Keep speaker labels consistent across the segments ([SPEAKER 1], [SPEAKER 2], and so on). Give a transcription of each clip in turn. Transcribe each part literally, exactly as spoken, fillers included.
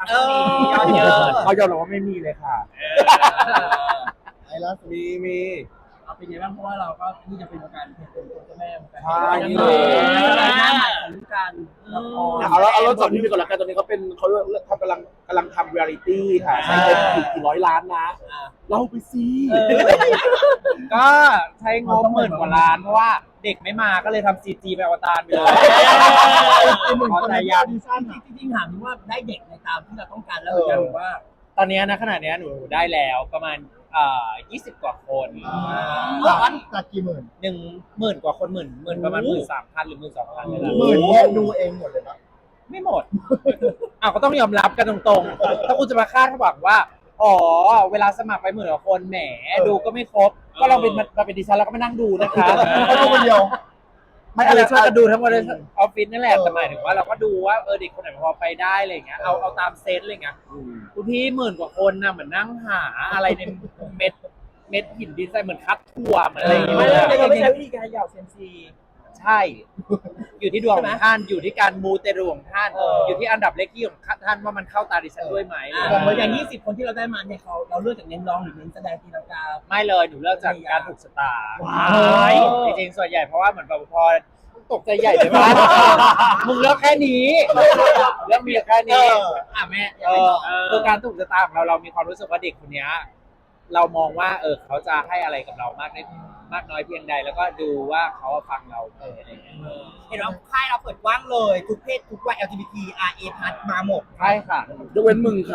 [SPEAKER 1] คะช่วงนี้ยอดเยอะ
[SPEAKER 2] เขายอมรับว่าไม่มีเลยค่ะ
[SPEAKER 3] ไอ้ล่าสุด
[SPEAKER 2] มีมี
[SPEAKER 1] เอาเป็นไงบ้างเพราะว่าเราก็นี่จะเป็นการเป็นตัวเจ้าแม่เหมือนกัน
[SPEAKER 2] ใช่
[SPEAKER 1] นี่เลยหน้าใหม่ของการละคร
[SPEAKER 2] เอาแล้วเอาแล้วจบนี้ไปก่อนละกันตอนนี้เขาเป็นเขาเลือกเขากำลังกำลังทำเรียลิตี้ค่ะใช้เงินกี่กี่ร้อยล้านนะเล่าไปสิ
[SPEAKER 4] ก็ใช้งบหมื่นกว่าล้านเพราะว่าเด็กไม่มาก็เลยทำซีจีไปอวตารไปเลย
[SPEAKER 1] ขอใจยาวจริงๆถามว่าได้เด็กในตามที่เราต้องการแล้วหรือยังว่า
[SPEAKER 4] ตอนนี้นะขณะนี้หนูได้แล้วประมาณเอ่อยี่สิบกว่าคน
[SPEAKER 3] จากจากกี่หมื่น
[SPEAKER 4] หนึ่งหมื่นกว่าคนหมื่นหมื่นประมาณหมื่นสามพันหรือหมื่นสองพันนี่แหละ
[SPEAKER 3] หมื่นเนี่ยดูเองหมดเลยนะ
[SPEAKER 4] ไม่หมด อ้าวก็ต้องยอมรับกันตรงๆ ถ้าคุณจะมาคาดหวังว่า อ๋อ เวลาสมัครไปหมื่นกว่าคนแหมดูก็ไม่ครบ ก็ลองเป็นมาเป็นดิฉันแล้วก็มานั่งดูนะคะ
[SPEAKER 3] เขาดูคนเดียว
[SPEAKER 4] ไม่อะไรช่วยกันดูทั้งหมดเลยออฟฟิศนั่นแหละแต่หมายถึงว่าเราก็ดูว่าเออเด็กคนไหนพอไปได้อะไรอย่างเงี้ยเอาเอาตามเซนอะไรเงี้ยคุณพี่หมื่นกว่าคนนะเหมือนนั่งหาอะไรในเม็ดเม็ดหินดินทรายเหมือนคัดถั่วเหมือนอะไรอย่างเงี้ย
[SPEAKER 1] ไม่ได้เราไม่ใช้วิธีการหยอกเซมซี
[SPEAKER 4] ใช่ อยู่ที่ดวงของท่านอยู่ที่การมูเตรูของท่านอยู่ที่อันดับเลขที่ของท่านว่ามันเข้าตาดิฉันด้วยไหม
[SPEAKER 1] อย่างยี่สิบคนที่เราได้มาเนี่ยเขาเราเลือกจากเน้นร้องหรือเน้นแสดงตีลังกา
[SPEAKER 4] ไม่เลยหนูเลือกจากการถูกชะตา
[SPEAKER 1] ว้าย
[SPEAKER 4] จริงๆส่วนใหญ่เพราะว่าเหมือนแบบพอตกใจใหญ่เลยว่ามึงเลือกแค่นี้เลือกมีแค่นี้อ่ะแม่เออคือการถูกชะตาของเราเรามีความรู้สึกว่าเด็กคนนี้เรามองว่าเออเขาจะให้อะไรกับเรามากได้มากน้อยเพียงใดแล้วก็ดูว่าเขาฟังเราไหมอะไรอย่างเงี้ย
[SPEAKER 1] เห็นว่าค่ายเราเปิดกว้างเลยทุกเพศทุกวัย แอล จี บี ที อาร์ เอ พัดมาหมด
[SPEAKER 4] ใช่ค่ะ
[SPEAKER 2] ยกเว้นมึงค่ะ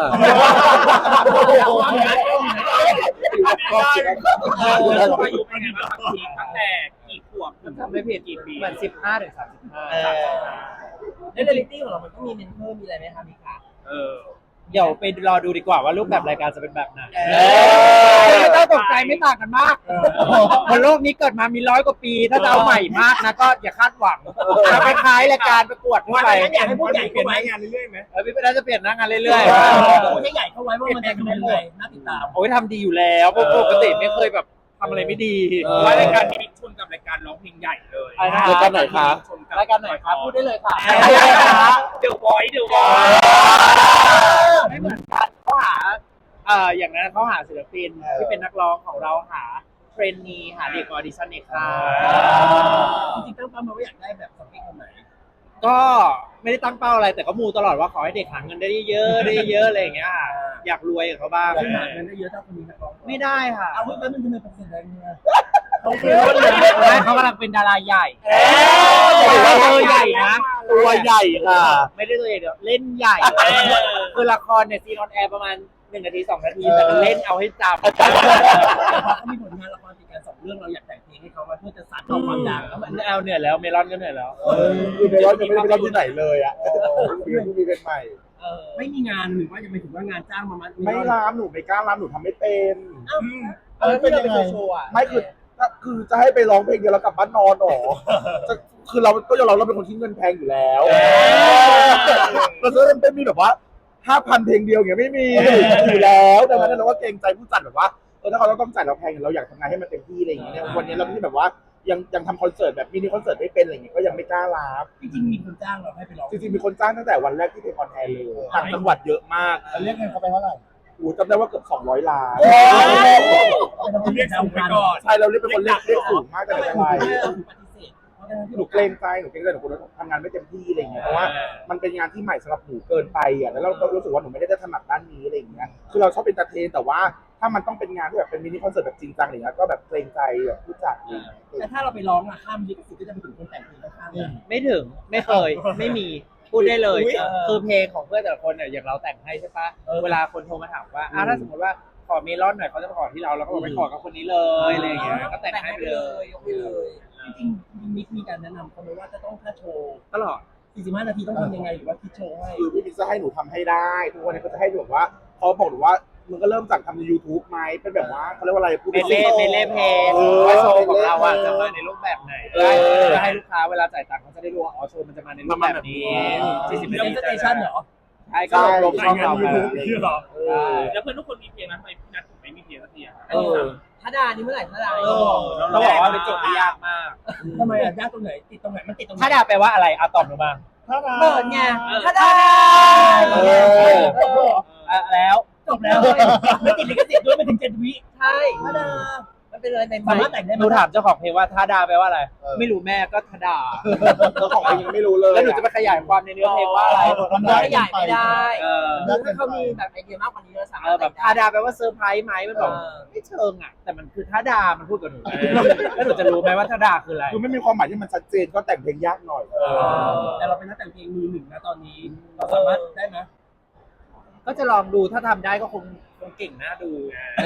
[SPEAKER 4] อายุเป็นไงบ้างตั้งแต่กี่ขวบทำไม่ผิดกี่ปีเหมือนสิบห้าถึงสามสิบห้า
[SPEAKER 1] ในเรียลิตี้ของเรามันก็มีเมนเทอร์มีอะไรไหมคะมีค่ะ
[SPEAKER 4] เออเดี๋ยวไปรอดูดีกว่าว่ารูปแบบรายการจะเป็นแบบไหน
[SPEAKER 1] เออ
[SPEAKER 4] ไม่ต้องตกใจไม่ต่างกันมากบนโลกนี้เกิดมามีร้อยกว่าปี ถ้าจะเอาใหม่มากนะก็อย่าคาดหวังจะไปคล้ายรายการประกวดทั่วไป
[SPEAKER 1] อยากให้ผู้ใหญ่เปลี่ยนงาน
[SPEAKER 4] เออพี่เป็นน่าจะเปลี่ยนหน้างานเรื่อย
[SPEAKER 1] ผู้ใหญ่เข้าไว้ว่ามันจะเป็นยังไงน่าติดตาม
[SPEAKER 4] ๆโอ้ยทำดีอยู่แล้วเพราะปกติไม่เคยแบบทำอะไรไม่ดี
[SPEAKER 2] ว่ารายการ
[SPEAKER 5] นี้ชนกับรายการร้องเพลงใหญ่เลย
[SPEAKER 2] รายการไหนคะ
[SPEAKER 5] ชนกับ
[SPEAKER 4] รายการไหนครับพูดได้เลยค่ะ
[SPEAKER 5] เดอะวอยซ์เดอะวอย
[SPEAKER 4] ไม่เหมือนกันเขาหาเอ่ออย่างนั้นเขาหาศิลปินที่เป็นนักร้องของเราหาเทรนนีหาเด็กออดิชั่นในค่าย
[SPEAKER 1] จริงๆตั้งเป้ามาว่าอยากได้แบบสเปคคนไหน
[SPEAKER 4] ก็ไม่ได้ตั้งเป้าอะไรแต่ก็มูตลอดว่าขอให้เด็กหาเงินได้เยอะได้เยอะอะไรอย่างเงี้ยค่ะอยากรวยกับเขาบ้าง
[SPEAKER 1] ซึ่งหาเงินได้เยอะเท่าคนนี้นักร้อง
[SPEAKER 4] ไม่ได้ค่ะ
[SPEAKER 1] เอาไว้แป๊บนึงทำไมเป็นเสียงอะไรเนี่ย
[SPEAKER 4] เขาเขากำลังเป็นดาราใหญ่
[SPEAKER 1] เอ๊ะ
[SPEAKER 4] ตัวใหญ่นะ
[SPEAKER 2] ตัวใหญ่ค่ะ
[SPEAKER 4] ไม่ได้ตัวใหญ่เดี๋ยวเล่นใหญ่คือละครเนี่ยซีนออนแอร์ประมาณหนึ่งนาทีสองนาทีแต่มันเล่นเอาให้จำ
[SPEAKER 1] เขามีผลงานละครติดกันสองเรื่องเราอยากแต่งเพลงให้เขาไว้เพื่อจะสานต่อความดังแล้วมัน
[SPEAKER 4] มันเอาเหนื่อยแล้วเมลอนก็เหนื่อยแล้ว
[SPEAKER 2] คือไปร้อนจะไม่ได้ไปร้อนที่ไหนเลยอ่ะเดี๋ยวมีเป็นใหม่
[SPEAKER 1] ไม่มีงานหรือว่าจะไปถึงว่างานจ้างมามัน
[SPEAKER 2] ไม่ร้านหนูไม่กล้าร้านหนูทำไม่เป็น
[SPEAKER 3] เออเป็นยังไง
[SPEAKER 2] ไม่คือคือจะให้ไปร้องเพลงเดียวแล้วกลับบ้านนอนหรอจะคือเราก็ยอมรับเราเป็นคนที่เงินแพงอยู่แล้วเราจะไม่มีแบบว่าห้าพันเพลงเดียวอย่างเงี้ยไม่มีอยู่แล้วดังนั้นเราก็เกรงใจผู้จัดแบบว่าเออถ้าเขาต้องจ่ายเราแพงเราอยากทำงานให้มันเต็มที่อะไรอย่างเงี้ยวันนี้เราที่แบบว่ายังยังทำคอนเสิร์ตแบบมินิคอนเสิร์ตไม่เป็นอะไรอย่างเงี้ยก็ยังไม่กล้ารับ
[SPEAKER 1] จริงๆมีคนจ้างเราให้ไปร้อง
[SPEAKER 2] จริงๆมีคนจ้างตั้งแต่วันแรกที่เป็นคอนแทนเลยต่างจังหวัดเยอะมาก
[SPEAKER 3] เรียกเงินเขาไปเท่าไหร่
[SPEAKER 2] โอ้จำได้ว่าเกือบสองร้อยล้าน
[SPEAKER 5] เรียกสูงไปก่อน
[SPEAKER 2] ใช่เราเรียกเป็นคนเรียกเรียกสูงมากแต่
[SPEAKER 1] ทำไม
[SPEAKER 2] ไม่
[SPEAKER 1] คุ
[SPEAKER 2] เป็น
[SPEAKER 1] ณ
[SPEAKER 2] ไร
[SPEAKER 1] ไม่ปฏิเสธเพราะฉะนั้น
[SPEAKER 2] หนูเกรงใจหนูเกรงใจหนูคนทำงานไม่เต็มที่อะไรอย่างเงี้ยเพราะว่ามันเป็นงานที่ใหม่สำหรับหนูเกินไปอ่ะแล้วเราก็รู้สึกว่าหนูไม่ได้ถนัดด้านนี้อะไรอย่างเงี้ยคือเราชอบเป็นตาเทนแต่ว่าถ้ามันต้องเป็นงานที่แบบเป็นมินิคอนเสิร์ตแบบจริงจังอะไรเงี้ยก็แบบเกรงใจแบบผู้จัดอะไรอย่างเงี้ย
[SPEAKER 1] แต่ถ้าเราไปร้องอะข้ามลิขสิทธิ์ก็จะไปถึงคนแต่งเพลงข้างๆ
[SPEAKER 4] ไม่ถึงไม่เคยไม่มีพูดได้เลย คือเพลงของเพื่อนแต่ละคนเนี่ยอย่างเราแต่งให้ใช่ปะเวลาคนโทรมาถามว่าอ่ะถ้าสมมติว่าขอเมลอนหน่อยเขาจะมาขอที่เราเราก็บอกไปขอกับคนนี้เลยอะไรอย่างเงี้ยก็แต่งให้ไปเลย
[SPEAKER 1] ยกไปเลยจริงๆมิกมีการแนะนำเขาไหมว่าจะต้องถ้าโชว์
[SPEAKER 4] ตลอด
[SPEAKER 1] สี่สิบห้านาทีต้องทำยังไงหรือว่าคิดโชว์ให้
[SPEAKER 2] คือพี่มิกจะให้หนูทำให้ได้ทุกวันนี้ก็จะให้หนูแบบว่าเขาบอกหนูว่ามึงก็เริ่มจากทำใน YouTube ไหมเป็นแบบว่าเขาเรียกว่าอะไรพูด
[SPEAKER 4] เมเล่เมเล่เพลง
[SPEAKER 2] เออ
[SPEAKER 4] ว่าโชว์ของเราอ่ะจะมาในรูปแบบไหนได้เพื่อให้ลูกค้าเวลาจ่ายตังค์เขาจะได้รู้ว่าอ๋อโชว์มันจะมาในรูปแบบนี้สี่สิบ
[SPEAKER 1] มี
[SPEAKER 4] นาที
[SPEAKER 1] สเตชันเหรอ
[SPEAKER 4] ใช่ก็ลงช่องเราไป
[SPEAKER 5] คือหรอ
[SPEAKER 4] ใช่
[SPEAKER 5] แล้วเพื่อนทุกคนมีเพลงนะทำไมพี่นัทถึงไม่มีเพลงสักทีอ่ะ
[SPEAKER 4] เออ
[SPEAKER 1] ถ้าดานี่เมื่อไหร่ถ้าดา
[SPEAKER 4] เออต้องบอกว่าเป็นโจทย์ที่ยากมาก
[SPEAKER 1] ทำไมอ่ะยากตรงไหนติดตรงไหนมันติดตรงไหน
[SPEAKER 4] ถ้าดาแปลว่าอะไรอ่ะตอบหนูบ้าง
[SPEAKER 3] ถ้าดา
[SPEAKER 1] เปิดไงถ้าดา
[SPEAKER 2] เออ
[SPEAKER 4] อ่ะแล้ว
[SPEAKER 1] จบแล้วไม่ติดลิขสิทธิ์ด้วยไม่ถึงเจ็ดวิ
[SPEAKER 4] ใช่
[SPEAKER 1] ธรรมดา
[SPEAKER 4] มันเป็นอะไรใหม่
[SPEAKER 1] สามารถแต่งได้ไหม
[SPEAKER 4] หนูถามเจ้าของเพลงว่าทาดาแปลว่าอะไร ไม่รู้แม่ก็ทาดา
[SPEAKER 2] เจ้าของเพลงยังไม่รู้เลย
[SPEAKER 4] แล้วหนูจะไปขยายความในเนื้อเพลงว่าอะไร
[SPEAKER 3] มัน
[SPEAKER 1] ได้
[SPEAKER 3] ได้
[SPEAKER 1] ใหญ่ไม่ได้
[SPEAKER 4] เออ
[SPEAKER 1] คือถ้าเขามีแบบไอเดียมากกว่านี้เราสา
[SPEAKER 4] เอ
[SPEAKER 1] มาร
[SPEAKER 4] อ
[SPEAKER 1] ถ
[SPEAKER 4] แบบทาดาแปลว่าเซอร์ไพรส์ไหมมันบอกไม่เชิงอ่ะ แต่มันคือทาดา มันพูดกับหนูแล้วหนูจะรู้ไหมว่าทาดาคืออะไร
[SPEAKER 2] คือไม่มีความหมายที่มันชัดเจนก็แต่งเพลงยากหน่อย
[SPEAKER 1] แต่เราเป็นนักแต่งเพลงมือหนึ่งนะตอนนี้เราสามารถได้ไหม
[SPEAKER 4] ก็จะลองดูถ้าทำได้ก็คงคงเก่งน่าดู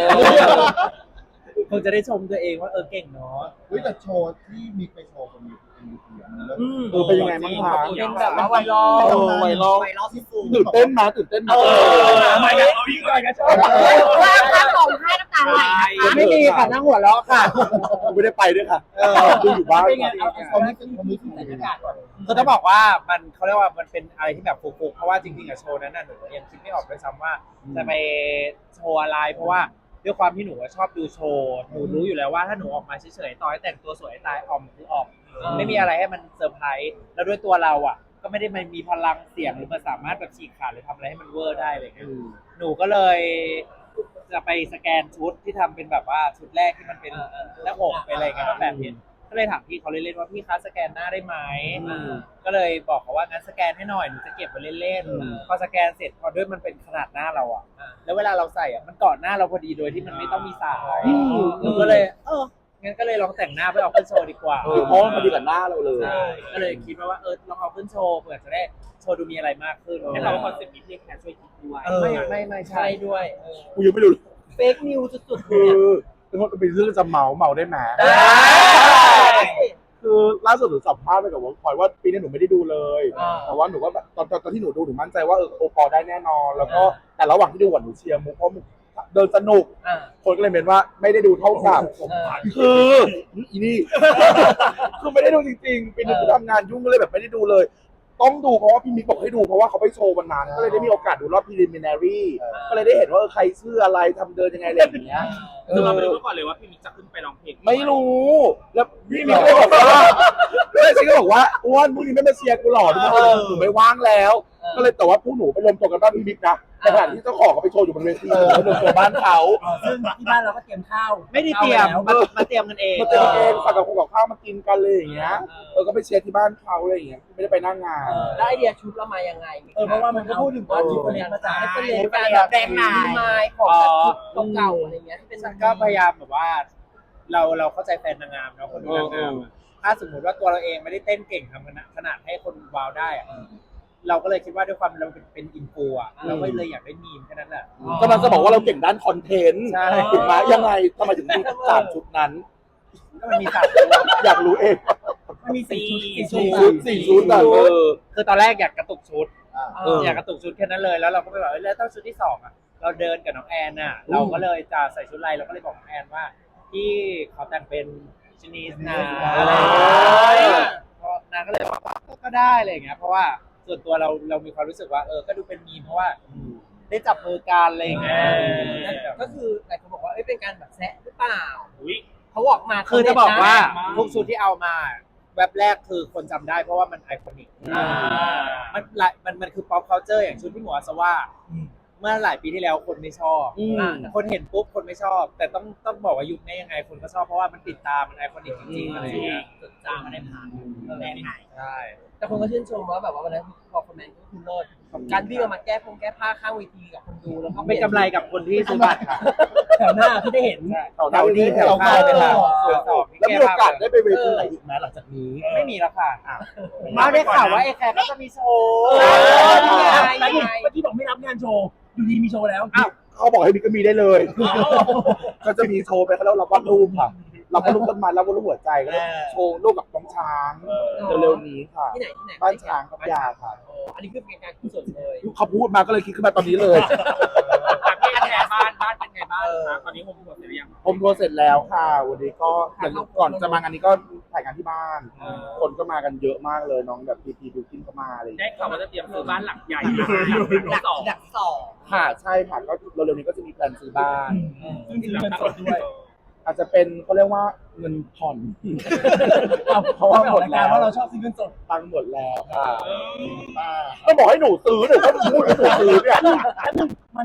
[SPEAKER 4] คงจะได้ชมตัวเองว่าเออเก่งเนาะ
[SPEAKER 3] เฮ้ยแต่โชว์ที่มีไปโชว์บนยูทูบมันเริ่ม
[SPEAKER 2] เออเป็นยังไงบ้างคะ
[SPEAKER 1] เป็นแบบว่าไวรัล
[SPEAKER 2] เออไวรัล
[SPEAKER 1] ไวรัลที่สุด
[SPEAKER 2] ตื่นเต้นมาตื่นเต้นมา
[SPEAKER 5] ไม่กันเอาอีกหน่อยนะชอบ
[SPEAKER 6] ว่าข้างของให้น้ำตาไหลนะคะ
[SPEAKER 4] ไม่มีค่ะนั่งหัวเราะค่ะ
[SPEAKER 2] กูไม่ได้ไปด้วยค่ะดูอยู่บ้าน
[SPEAKER 1] เป็นไงเอาเอาเอาที่ที่ใส่หน้ากากก่อน
[SPEAKER 4] คือต้องบอกว่ามันเขาเรียกว่ามันเป็นอะไรที่แบบฟุกๆเพราะว่าจริงๆอะโชว์นั้นน่ะหนูยังคิดไม่ออกด้วยซ้ำว่าจะไปโชว์อะไรเพราะว่าด้วยความที่หนูชอบดูโชว์หนูรู้อยู่แล้วว่าถ้าหนูออกมาเฉยๆต่อให้แต่งตัวสวยตายออมคือออมไม่มีอะไรให้มันเซอร์ไพรส์แล้วด้วยตัวเราอ่ะ ก็ไม่ได้มันมีพลังเสียงหรือมันสามารถแบบฉีกขาดหรือทำอะไรให้มันเวอร์ได้อะไรเลยหนูก็เลยจะไปสแกนชุดที่ทำเป็นแบบว่าชุดแรกที่มันเป็นหน้าอกเป็นอะไรกันแบบเห็นก็เลยถามพี่เขาเล่นๆว่าพี่คะสแกนหน้าได้ไหมก็เลยบอกเขาว่างั้นสแกนให้หน่อยหนูจะเก็บไว้เล่นๆพอสแกนเสร็จพอด้วยมันเป็นขนาดหน้าเราอ่ะแล้วเวลาเราใส่อ่ะมันเกาะหน้าเราพอดีโดยที่มันไม่ต้องมีสายหนูก็เลยเอองั้นก็เลยลองแต่งหน้าไปออกขึ้นโชว์ดีกว่า
[SPEAKER 2] เออเพราะมันพอดีกับหน้าเราเลย
[SPEAKER 4] ใช่ก็เลยคิดว่าว่าเออลองเอาขึ้นโชว์เผื่อจะได้โชว์ดูมีอะไรมากขึ้น
[SPEAKER 5] ให้เราคอนเซ็ปต์นี้พี่แค่ช่วยคิดด้วย
[SPEAKER 4] ไม่ไม่ไม่ใช่
[SPEAKER 1] ใช่ด้วย
[SPEAKER 2] กูยังไม่รู้
[SPEAKER 1] เฟกนิวสุดๆ
[SPEAKER 2] คื
[SPEAKER 1] เนี่ย
[SPEAKER 2] อเป็นเรื่องจะเมาเมาได้ไหม
[SPEAKER 1] ได้
[SPEAKER 2] คือล่าสุดหนูสัมภาษณ์ไปกับวงพลอยว่าปีนี้หนูไม่ได้ดูเลย แต่ว่าหนูก็แบบตอนตอนตอนที่หนูดูหนูมั่นใจว่าเออโอปอลได้แน่นอน แล้วก็แต่ระหว่างที่ดูหนูเชียร์มุกเพราะมุกเดินสนุก
[SPEAKER 1] อ่า
[SPEAKER 2] คนก็เลยเมนว่าไม่ได้ดูเท่ากับคืออีนี่ คือไม่ได้ดูจริงๆปีนี้คือทำงานยุ่งก็เลยแบบไม่ได้ดูเลย ต้องดูเพราะว่าพี่มิกบอกให้ดูเพราะว่าเขาไปโชว์วันนั้นก็เลยได้มีโอกาสดูรอบ preliminary ก็เลยได้เห็นว่าเออใครชื่ออะไรทำเดินยังไงอะไรอย่างเงี้ย
[SPEAKER 5] คือเราไม่รู้มาก่อนเลยว่าพี่มิกจะขึ้นไปร้องเพลง
[SPEAKER 2] ไม่รู้ แล้วพี่มิกก็บอกว่าแม่ชีก็บอกว่าอ้วนพรุ่งนี้ไม่มาเชียร์กูหรอทุกคนหนูไม่ว่างแล้ว ก็เลยแต่ว่าพวกหนูไปรวมตัวกันบ้านพี่มิกนะในขณะที่เจ้าของเขาไปโชว์อยู่บนเวทีหนูไปรวมตัวบ้านเขา
[SPEAKER 1] ซึ่งที่บ้านเราก็เตรียมข้าว
[SPEAKER 4] ไม่ได้เตรียม
[SPEAKER 1] ข้าว
[SPEAKER 4] มา
[SPEAKER 1] แล้ว
[SPEAKER 4] มาเตรียมกันเอง
[SPEAKER 2] มาเจอเองสั่งกับคงกับข้าวมากินกันเลยอย่างเงี้ยเออก็ไปเชียร์ที่บ้านเขาอะไรอย่างเงี้ยไม่ได้ไปนั่งงาน
[SPEAKER 1] เออแล้วไอเดียชุดเรามายังไงเออเพราะว่ามันก็พูดถึงว่าชุดคนนี้มาจากให้เป็นเลนการแบบแดงหนายไม้ของแบบชุดเก่าๆอะไรเงี้ยที่เป็น
[SPEAKER 4] ก็พยายามแบบว่า เราเราเข้าใจแฟนนางงามเนาะคนดูนางงามถ้าสมมติว่าตัวเราเองไม่ได้เต้นเก่งทำขนาดขนาดให้คนว้าวได้อะเราก็เลยคิดว่าด้วยความเราเป็นเป็นอินฟูอ่ะเราก็เลยอยากได้มีมแค่นั้นแหละ
[SPEAKER 2] กำลังจะบอกว่าเราเก่งด้านคอนเทนต์
[SPEAKER 4] ใช่
[SPEAKER 2] ถูกไหมยังไงทำไมถึงมีสามชุดนั้น
[SPEAKER 4] มันมีสัตว์
[SPEAKER 2] อยากรู้เอง
[SPEAKER 1] มันมีสี่
[SPEAKER 2] สี่
[SPEAKER 1] ชุด
[SPEAKER 2] ชุดสี่ชุดอ่ะเออ
[SPEAKER 4] คือตอนแรกอยากกระตุกชุด
[SPEAKER 3] อ่า
[SPEAKER 1] เออ
[SPEAKER 4] อยากกระตุกชุดแค่นั้นเลยแล้วเราก็ไปบอกเอ้ยแล้วต้องชุดที่สองอ่ะเราเดินกับน้องแอนน่ะ เราก็เลยจะใส่ชุดอะไรเราก็เลยบอกน้องแอนว่าที่เขาแต่งเป็นชนีสนะอะไรอย่างเงี้ยเพราะนางก็เลยบอกว่าก็ได้อะไรอย่างเงี้ยเพราะว่าส่วนตัวเราเรามีความรู้สึกว่าเออก็ดูเป็นมีมเพราะว่าได้จับมือกันอะไรอย่างเงี้ย
[SPEAKER 1] ก็คือหลายคนบอกว่าเอ้ยเป็นการแบบแซะหรือเปล่า
[SPEAKER 5] อุ้ย
[SPEAKER 1] เขาบอกมา
[SPEAKER 4] คือจะบอกว่า
[SPEAKER 5] มา
[SPEAKER 4] ทุกชุดที่เอามาแว็บแรกคือคนจำได้เพราะว่ามันไอคอนิก
[SPEAKER 1] อ่า
[SPEAKER 4] มันหลายมันมันคือ pop culture อย่างชุดที่หมูอาสว่าเมื่อหลายปีที่แล้วคนไม่ชอบ
[SPEAKER 2] อืม
[SPEAKER 4] อ่าคนเห็นปุ๊บคนไม่ชอบ แต่ต้องต้องบอกว่ายุคนี้ยังไงคนก็ชอบเพราะว่ามันติดตามมันไอคอนิกจริงๆอะไรอย่างเงี้ย
[SPEAKER 1] จดจำมาได้ผ่านแดงไหน
[SPEAKER 4] ใช่
[SPEAKER 1] แต่คนก็ชื่นชมว่าแบบว่าวันนั้นพอคอมเมนต์ก็คือเลิศการวิ่งออกมาแก้พงแก้ผ้าข้างเวทีกับคนดูแล้วก็
[SPEAKER 4] ไม่กำไรกับคนที่ซื้อบัตรค่ะ
[SPEAKER 1] แถวหน้าที่ได้เห็น
[SPEAKER 2] แถวนี้แถว
[SPEAKER 4] ข้า
[SPEAKER 2] ข้าว ว
[SPEAKER 4] ไป
[SPEAKER 2] ไป
[SPEAKER 4] ทา
[SPEAKER 2] ทาง งแล้วมีโอกาสได้ไปเวทีไหนอีกไหมหลังจากนี้
[SPEAKER 4] ไม่มีแล้วค่ะมาได้ข่าวว่าไอ้แคร์ก็จะมีโชว์
[SPEAKER 1] เออนี่ไง
[SPEAKER 4] แล้ว
[SPEAKER 1] นี่ไงเมื่อกี้บอกไม่รับงานโชว์อยู่ดีมีโชว์แล้ว
[SPEAKER 2] อ้าวเขาบอกให้มีก็มีได้เลย ก็จะมีโชว์ไปเขาเรียกว่ารับวาดรูปค่ะรับวาดรูปต้นไม้รับวาดรูปหัวใจก็เลยโชว์รูปกับน้องช้างเร็วๆนี้ค่ะ
[SPEAKER 1] ที่ไหนที่ไหน
[SPEAKER 2] บ้านช้างกับยาค่ะ
[SPEAKER 1] โอ้อันนี้คือเป็นการกุศลเลย
[SPEAKER 2] เขาพูดมาก็เลยคิดขึ้นมาตอนนี้เลย
[SPEAKER 5] แต่พี่แอนแอนบ้านบ้านเป็นไงบ้างคะตอนนี้ผมหมดหรือยัง
[SPEAKER 2] ผมทัวร์เสร็จแล้วค่ะ วันนี้ก็อย่างก่อนจะมางานนี้ก็ถ่ายงานที่บ้าน คนก็มากันเยอะมากเลยน้องแบบพีพีบิวกิ้นก็มาอะไรอย่าง
[SPEAKER 5] ได้
[SPEAKER 2] เงี้ย
[SPEAKER 5] ข่าวว่าจะเตรียมซื้อบ้านหลังใหญ่หลังสอง
[SPEAKER 1] ดักสอง
[SPEAKER 2] ค่ะใช่ค่ะก็เร็วๆนี้ก็จะมีแพลนซื้อบ้าน
[SPEAKER 1] ซึ่งจริงๆเงินสดด้วย
[SPEAKER 2] อาจจะเป็นเขาเรียกว่าเงินผ่อน
[SPEAKER 1] เพราะว่าหมดแล้วว่าเราชอบซื้อเงินสด
[SPEAKER 2] ตังค์หมดแล้วค่ะก็บอกให้หนูซื้อหนูก็พูดให้หนูซื้อเนี่ย
[SPEAKER 1] มันไม่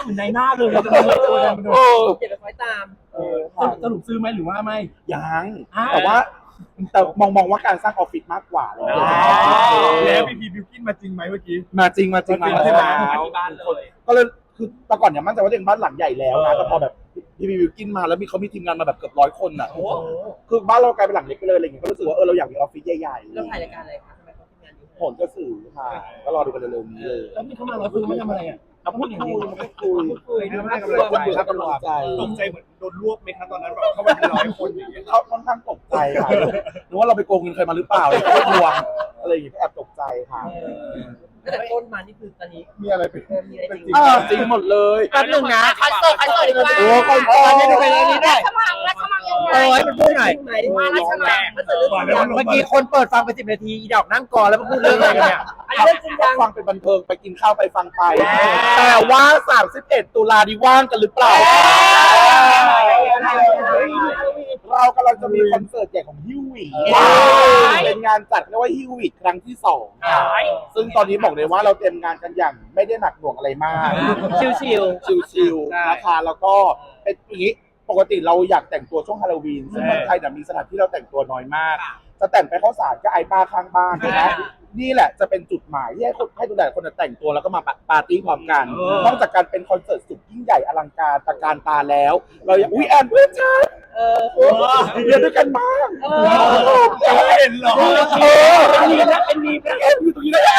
[SPEAKER 7] มือนในหน้าเลยเราจะมาตัวแทนมาดู
[SPEAKER 1] เก็บไปคอยตาม
[SPEAKER 2] เออ
[SPEAKER 7] ส
[SPEAKER 2] ค่ะ
[SPEAKER 7] รุปสรุปซื้อไหมหรือว่าไม่
[SPEAKER 2] ยัง
[SPEAKER 7] อ่า
[SPEAKER 2] แต่ว่าแต่มองมองว่าการสร้างออฟฟิศมากกว่าเลย
[SPEAKER 3] แล้วพีพีบิวกินมาจริงไหมเมื่อกี้
[SPEAKER 2] มาจริงมาจริง
[SPEAKER 3] มาจริง
[SPEAKER 2] มา
[SPEAKER 3] ใช่ไหม
[SPEAKER 5] ที่บ้านเลย
[SPEAKER 2] ก็เลยคือแต่ก่อนเนี่ยมั่นใจว่าตัวเองบ้านหลังใหญ่แล้วนะแต่พอแบบพี่พี่วิวกินมาแล้วมีเขามีทีมงานมาแบบเกือบร้อยคนอ่ะคือบ้านเรากลายเป็นหลังเล็กไปเลยอะไรอย่างเงี้ยก็รู้สึกว่าเออเราอยากมีออฟฟิศใหญ่ๆ
[SPEAKER 1] แล้วถ่ายรายการอะไรคะทำไมเขาทำงานเยอะ
[SPEAKER 2] ผลกระสือค่ะก็รอดูกันเร็วๆนี้เลย
[SPEAKER 7] แล้วมีเข้ามาร้อยคนไม่ทำอะไรอ่ะ
[SPEAKER 2] เอาพูดคุยพูดคุย
[SPEAKER 1] คุย
[SPEAKER 2] ให้กำลังใจให้กำลังใจ
[SPEAKER 3] ตกใจเหมือนโดนรวบไหมคะตอนนั้นแบบเข้ามาเป็นร้อยคนอย่างเงี้ย
[SPEAKER 2] เขาค่อนข้างตกใจค่ะหรือว่าเราไปโกงเงินใครมาหรือเปล่าเลยก็ทวงอะไรอย่างเงี้ยแอบตกใจค่ะ
[SPEAKER 1] ตั้งแต่ต้นมานี่คือตอนนี้
[SPEAKER 3] มีอะไรเป็น
[SPEAKER 1] เออมีอะไรจริง
[SPEAKER 2] เออจริงหมดเลย
[SPEAKER 4] แป๊บนึงนะ
[SPEAKER 6] คอนเสิร์ตคอนเสิร์ตดีกว่า
[SPEAKER 2] โอ้คอนเสิร์ต
[SPEAKER 4] ไม่ได้ไปแล้วนี่ได้
[SPEAKER 6] สมัครและสมัครยังไง
[SPEAKER 4] โอ้ยมันพูดหน่อย
[SPEAKER 1] ไหม
[SPEAKER 6] มาแล้วสมัคร
[SPEAKER 1] มันจะเรื่องจริงจัง
[SPEAKER 4] เมื่อกี้คนเปิดฟังไปสิบนาทีอีดอกนั่งกอแล้วมาพูดเรื่องอะไรกันเนี่ย
[SPEAKER 1] อันนี้เรื่องจริงจัง
[SPEAKER 2] ฟังเป็นบันเทิงไปกินข้าวไปฟังไป แต่ว่าสามสิบเอ็ดตุลาดีว่างกันหรือเปล่า เรากำลังจะมีคอนเสิร์ตใหญ่ของฮิววีเป็นงานจัดเรียกว่าฮิววีครั้งที่สองซึ่งตอนนี้บอกเลยว่าเราเตรียมงานกันอย่างไม่ได้หนักหน่วงอะไรมาก
[SPEAKER 4] ชิว
[SPEAKER 2] ชิลๆนะคะแล้วก็เป็นอย่างนี้ปกติเราอยากแต่งตัวช่วงฮาโลวีนซึ่งเมืองไทยเนี่ยมีสถานที่เราแต่งตัวน้อยมาก จะแต่งไปเข้าสารก็ไอ้ป้าข้างบ้านนะนี่แหละจะเป็นจุดหมายที่ให้คนให้ทุกหลายคนแต่งตัวแล้วก็มาปาร์ตี้พร้อมกันนอกจากการเป็นคอนเสิร์ตสุดยิ่งใหญ่อลังการตระการตาแล้ว เราอยากอุ้ยแอนเพื่อนฉัน
[SPEAKER 1] เออ
[SPEAKER 2] เรียนด้วยกันบ้าง
[SPEAKER 1] เออ
[SPEAKER 2] จะไม่เห็นหรอเออเป็นมีนะเป็นมีนะแอนอยู่ตรงนี้ได้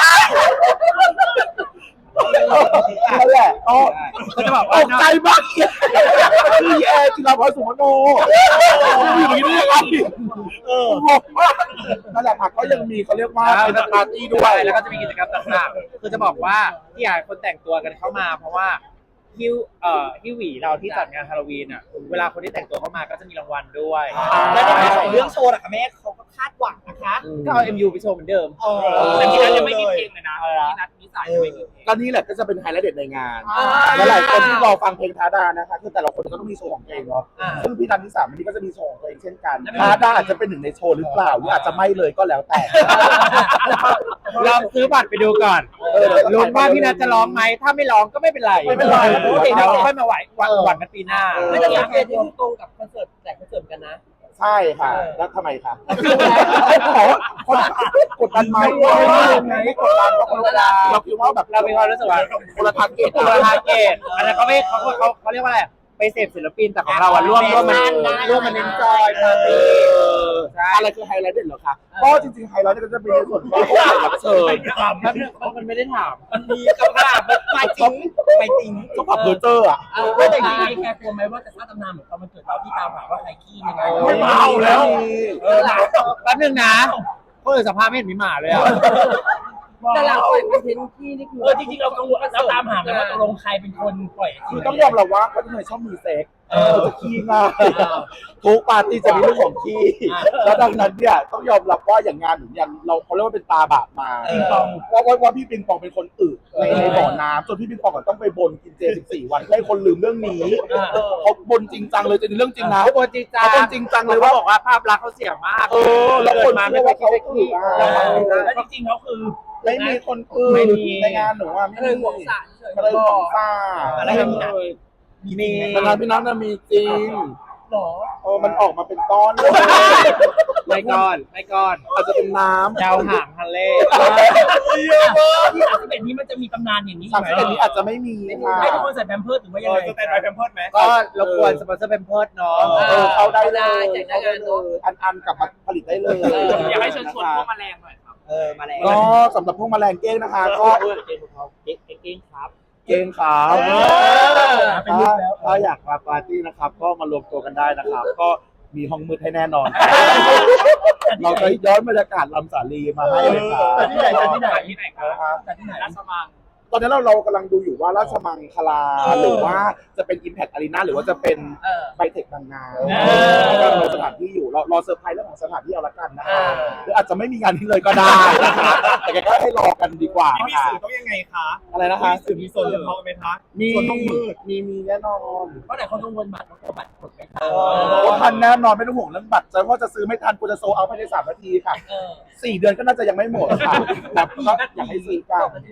[SPEAKER 2] นั่นแหละก็
[SPEAKER 4] ๆก็จะบอก
[SPEAKER 2] ต
[SPEAKER 4] ว่าก
[SPEAKER 2] ใจมากคือแอนจิราพรสุวรรณโนอยู่ตรงนี้ได้ยังไงเอองงมากนั่นแหละค่ะก็ยังมีเขาเรียกว่าเป็นปาร์ตี้ด้วย
[SPEAKER 4] แล้วก็จะมีกิจกรรมต่างๆคือจะบอกว่าที่อยากให้คนแต่งตัวกันเข้ามา เพราะว่าฮิวเอ่อฮิวหวีเราที่จัดงานฮาโลวีนอ่ะเวลาคนที่แต่งตัวเข้ามาก็จะมีรางวัลด้วย
[SPEAKER 1] แล้วในของเรื่องโชว์อะค่ะแม่เขาก็คาดหวังนะคะ
[SPEAKER 4] ก็เอา เอ็ม ยู ไปโชว์เหมือนเดิม
[SPEAKER 5] แต่ที่นัดยังไม่มีเพลงเลยนะที่นัดนิสัยยังไม่มีเพลง
[SPEAKER 2] ก็นี่แหละก็จะเป็นไฮไลท์เด็ดในงานและหลายคนที่รอฟังเพลงทาดานะคะคือแต่ละคนก็ต้องมีโชว์ของตัวเองเนาะซึ่งพี่นันที่สามวันนี้ก็จะมีโชว์ของตัวเองเช่นกันทาดาอาจจะเป็นหนึ่งในโชว์หรือเปล่าหรืออาจจะไม่เลยก็แล้วแต่
[SPEAKER 4] ลองซื้อบัตรไปดูก่อนลุ้นว่าพี่นัทจะร้องไหมถ้าไม่ร้องก็ไม่เป็นไร
[SPEAKER 2] ไม่เป็นไร
[SPEAKER 4] เดี๋ยวเราค่อยมาไหวหวังหวังกันปีหน้า
[SPEAKER 1] ไม่แต่สังเกตที่คือตรงกับคอนเสิร์ตแต่คอนเสิร์ตกันนะ
[SPEAKER 2] ใช่ค่ะ แล้วทำไมคะคนกดดันไหมไม่กดดันเพราะคนละเราคิดว่าแบบ
[SPEAKER 4] เรามีความรู้สึกว่า
[SPEAKER 2] คนละทาร์เก็ต
[SPEAKER 4] ตัวทาร์เก็ตอันนั้นเขาไม่เขาเขาเขาเรียกว่าอะไรไปเสพศิลปินแต่ของเราอะร่วมร่วมมันร่วมมันเน้นจอยปาร์ตี้
[SPEAKER 2] อะไรคือไฮไลท์เด่นเหรอคะก็จริงๆไฮไลท์ก็จะเป็นในส่วนของรับเชิญ
[SPEAKER 4] มันไม่ได้ถาม
[SPEAKER 1] มันมีคำถามมันมาจริงไม่จริง
[SPEAKER 2] ก็ปรับเพอร์เจอร์อ่ะ
[SPEAKER 1] เออไม่แต่จริงๆแค่กลัวไหมว่าจะสร้างตำนานเหมือนตอนมันเกิดเราที่ตามหาว่าใครขี้ยังไง
[SPEAKER 2] ไม่เอาแล้ว
[SPEAKER 1] เออหลัง
[SPEAKER 4] แป๊บนึงนะคนอื่นสัมภาษณ์ไม่เห็นมีหมาเลยอ่ะ
[SPEAKER 1] แต่หลังปล่อยคอนเทนต์ขี้นี่คือ
[SPEAKER 7] เออจริงๆเรากังวลเราตามหากันว่าตกลงใครเป็นคนปล่อย
[SPEAKER 2] คือต้องยอมรับว่าคนที่ชอบมีเซ็กจะขี้ง่ายทุกปาร์ตี้จะมีเรื่องของขี้แล้วดังนั้นเนี่ยต้องยอมรับว่าอย่างงานหรืออย่างเราเขาเรียกว่าเป็นตาบาปมาว่าว่าพี่ปิงปองเป็นคนอึในในบ่อน้ำจนพี่ปิงปองต้องไปบนกินเจสิบสี่วันให้คนลืมเรื่องนี้เขาบนจริงจังเลยจริงเรื่องจริงนะ
[SPEAKER 4] เขาบอกจริงจัง
[SPEAKER 2] เขาบนจริงจังเลย
[SPEAKER 4] เขา
[SPEAKER 2] ว่า
[SPEAKER 4] บอกว่าภาพลักษณ์เขาเสียมาก
[SPEAKER 2] เออแล้วคน
[SPEAKER 4] มา
[SPEAKER 2] เชื่
[SPEAKER 4] ไม่
[SPEAKER 2] อ
[SPEAKER 4] เคย
[SPEAKER 2] ว่า
[SPEAKER 4] คิด
[SPEAKER 2] เขา
[SPEAKER 4] จะ
[SPEAKER 2] อึ
[SPEAKER 4] ขี้
[SPEAKER 7] แล้วจริงๆเขาคือ
[SPEAKER 2] ไม่มีคนอึในงานหนูว่าไม่
[SPEAKER 1] ก็เลย
[SPEAKER 2] มี
[SPEAKER 1] ห่วงสารเฉย
[SPEAKER 2] ก็เลยห่วงซ่า
[SPEAKER 1] อะไรแบบนี้
[SPEAKER 4] มี
[SPEAKER 2] แต่งานพี่นัทน่ะมีจริง
[SPEAKER 1] หรอ
[SPEAKER 2] เออมันออกมาเป็นก้อนเลย
[SPEAKER 4] ไม่ก้อนไม่ก้อน
[SPEAKER 2] อาจจะเป็นน้ำ
[SPEAKER 4] ดาวหางทะเล
[SPEAKER 7] ที่สามสิบเอ็ดนี้มันจะมีตำนานอย่างนี้
[SPEAKER 2] สาม
[SPEAKER 7] ไหม
[SPEAKER 2] สิบเอ็ดนี้อาจจะไม่มีค่ะ
[SPEAKER 7] ให้ทุกคนใส่แพมเพิร์สหรือว่ายังไง
[SPEAKER 3] สแตนด์บายแพมเพิร์สไหม
[SPEAKER 4] ก็รบกวนสปอนเซอร์เป็นเพิร์ดเนาะ
[SPEAKER 2] เออเข้าได้เลย
[SPEAKER 1] แจกได้งานเนอะ
[SPEAKER 2] อันอันกลับมาผลิตได้เลย
[SPEAKER 5] อยากให้เชิญชวนพวกแมลงหน่อยครับ
[SPEAKER 1] เออมาแล้ว
[SPEAKER 2] ก็สำหรับพวกแมลงเก้งนะคะก็
[SPEAKER 4] เก้งเขาเก้งเก้งครับ
[SPEAKER 2] เก้งขาว
[SPEAKER 7] เป็นรูปแล้ว
[SPEAKER 2] ถ้าอยากมาปาร์ตี้นะครับ ก็มารวมตัวกันได้นะครับ ก็มีห้องมืดให้แน่นอน เราจะย้อนบรรยากาศลำสาลีมาให้เลยครับ
[SPEAKER 7] แต่ที่ไหนแต่ที่ไหน
[SPEAKER 5] ที่ไหนครับ
[SPEAKER 7] แต่ที่ไหน
[SPEAKER 5] ราชมัง
[SPEAKER 2] ตอนนี้เราเรากำลังดูอยู่ว่าราชมังคลาหรือว่าจะเป็น Impact Arena หรือว่าจะเป็น
[SPEAKER 1] เออ
[SPEAKER 2] ไบเทคบางนาก็รอสถานที่อยู่รอรอเซอร์ไพรส์เรื่องของสถานที่เอาละกันนะคะหรืออาจจะไม่มีงานนี้เลยก็ได้นะคะแต่ก็ให้รอกันดีกว่า
[SPEAKER 3] มี
[SPEAKER 2] ค่ะ
[SPEAKER 3] สื่อต้องยังไงคะ
[SPEAKER 2] อะไรนะคะ
[SPEAKER 3] มีสื่อมีโซนเฉพาะไหมคะ
[SPEAKER 2] มี
[SPEAKER 3] โซนต้องมืด
[SPEAKER 2] มีมีแน่นอน
[SPEAKER 7] เพราะแต่คนกังวลบัตรว่าบัตรหมดไป
[SPEAKER 1] เอ
[SPEAKER 2] โอ้ทันแน่นอนไม่ต้องห่วงเรื่องบัตรจะว่าจะซื้อไม่ทันกูจะโซเอาภายในสามนาทีค่ะ
[SPEAKER 1] เออ
[SPEAKER 2] สี่เดือนก็น่าจะยังไม่หมดค่ะแต่ก็อยากให้ซื้อกัน
[SPEAKER 1] มันจะมีแบบผี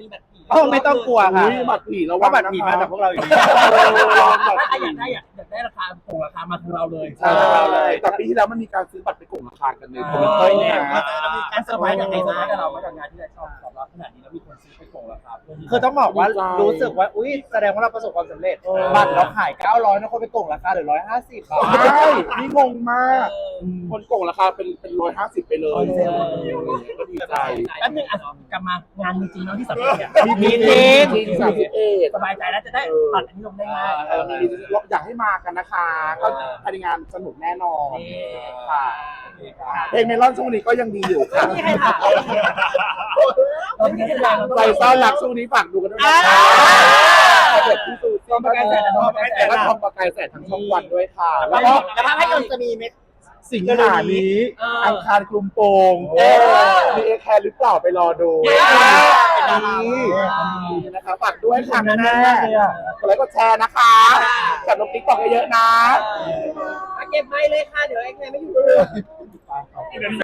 [SPEAKER 4] อ๋อไม่ต้องกลัวค่ะ
[SPEAKER 2] อุ้ยบัตรผีระ
[SPEAKER 4] เพ
[SPEAKER 2] วัง
[SPEAKER 4] ราะบัตร
[SPEAKER 2] นะคะ
[SPEAKER 4] ผีมาจากพวกเราอยู่ดี
[SPEAKER 2] บัตร
[SPEAKER 7] ถ้า
[SPEAKER 2] ผี
[SPEAKER 7] อยากได้อยากอยากได้ราคาโกงราคามาทางเราเลย
[SPEAKER 2] ใช่เลยแต่ปีที่แล้วมันมีการซื้อบัตรไปโกงราคากันในคอมเมนต์
[SPEAKER 7] เฮ้ย
[SPEAKER 2] เนี่
[SPEAKER 7] เนี่ย ยเรามีการเซอร์ไพรส์กับใครเซอร์ไพรส์กับเรามาจากงานที่เราชอบตอบรับขนาดนี้แล้วมีคนซื้อไปโกงราคาเพื่อที่
[SPEAKER 4] คือต้องบอกว่ารู้สึกว่าอุ้ยแสดงว่าเราประสบความสำเร็จบัตรเราขายเก้าร้อยนะคนไปโกงราคาเหลือหนึ่งร้อยห้าสิบบาท
[SPEAKER 2] ใช่นี่งงมาก คนโกงราคาเป็นเป็นร้อยห้าสิบไปเลยก็ดีใจ
[SPEAKER 7] แป๊บนึงอ่ะกลับมางานจริงๆเนาะที่สำเร็จเนี่ย
[SPEAKER 4] มีจริง
[SPEAKER 2] จริงสามสิบเอ็ด
[SPEAKER 7] สบายใจแล้วจะได้ตัดอันนี้ลงได้ง่าย
[SPEAKER 2] เออมีอยากให้มากันนะคะ ก็ภายในงานสนุกแน่นอนค่ะเพลงเมลอนช่วงนี้ก็ยังดีอยู่ค่ะ
[SPEAKER 7] ไม่มีใครถามตอนนี้แสดง
[SPEAKER 2] ใจซ่อนรักช่วงนี้ฝากดูกันด้วยนะคะเด็กที่สูตรต้องประกายแสนทองประกายแสนและทองประกายแสนทั้งช่องวันด้วยค่ะ แล้วก็
[SPEAKER 6] แล้วภาพยนตร์จะมีไหม
[SPEAKER 2] สิงหานี้อังคารกลุ่มโปงมีเอแคร์หรือเปล่าไปรอดูนี่นะคะฝากด้วยค่ะแม่กดไลค์กดแชร์นะคะกับลงติ๊กต็อกเยอะๆนะ
[SPEAKER 1] เก็บไม้เลยค่ะ เดี๋ยวไอ้ใครไม่อยู่